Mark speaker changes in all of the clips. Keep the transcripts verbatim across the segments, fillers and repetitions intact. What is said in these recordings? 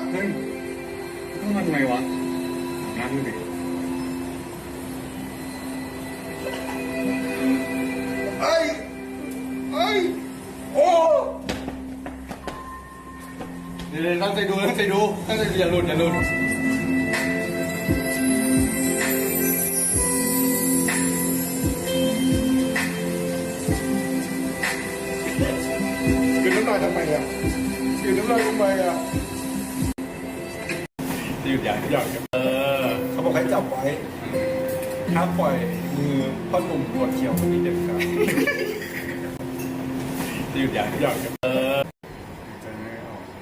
Speaker 1: เฮ้ยต้องมาทำไมวะน้ำดูดิเอ้ยเอ้ยโอ้เดี๋ยวตั้งใจดูตั้งใจดูตั้งใจอย่าหลุดอย่าหลุดกินน้ำลายทำไมอ่ะกินน้ำลายทำไมอ่ะหยุดอย่างหยุดเออเขาบอกให้จับไว้ห้ามปล่อยมือพ่อหนุ่มปวดเขียวคนนี้เด็ดขาดหยุดอย่างหยุดเออใจไม่ออก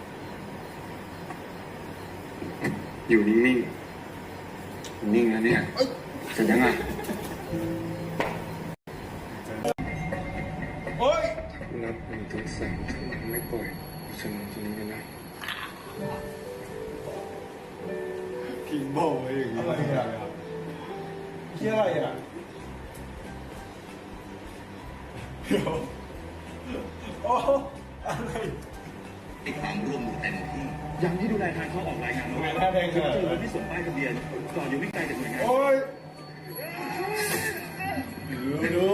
Speaker 1: อยู่นิ่งๆนิ่งแล้วเนี่ยจะยังไงโอ๊ยนับหนึ่งถึงสามถ้ามันไม่ปล่อยฉันนอนตรงนี้กันนะกินโบ้อะไรอย่างเงี้ยอะไรอ่ะเกี่ยอะไรอ่ะเดี๋ยวโอ้อะไร
Speaker 2: ให้ความร่วมมือเต็มที่อย่างที่ดูแลทางเข้าออกรายงานว่า
Speaker 1: หน้าแดงขนาด
Speaker 2: เจอ
Speaker 1: นั้น
Speaker 2: ที่ส่งป้ายทะเบียนจอดอยู่ไม่ไกลจากหน่วยงาน
Speaker 1: โอ๊ยดู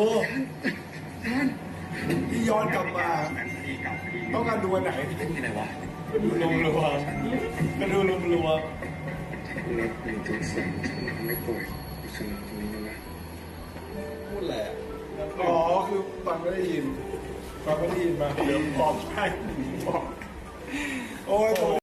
Speaker 1: ที่ย้อนกลับมา
Speaker 2: คดีเก่าคดี
Speaker 1: ต้องการดูอันไหน
Speaker 2: เป็นที่ไหนวะ
Speaker 1: ดูลมรัวก็ดูลมรัวนับหนึ่งถึงสามถ้ามันไม่ปล่อยฉันนอนตรงนี้กันนะพูดแหละอ๋อคือฟังไม่ได้ยินฟังไม่ได้ยินมาเดี๋ยวบอกให้บอกโอ้ย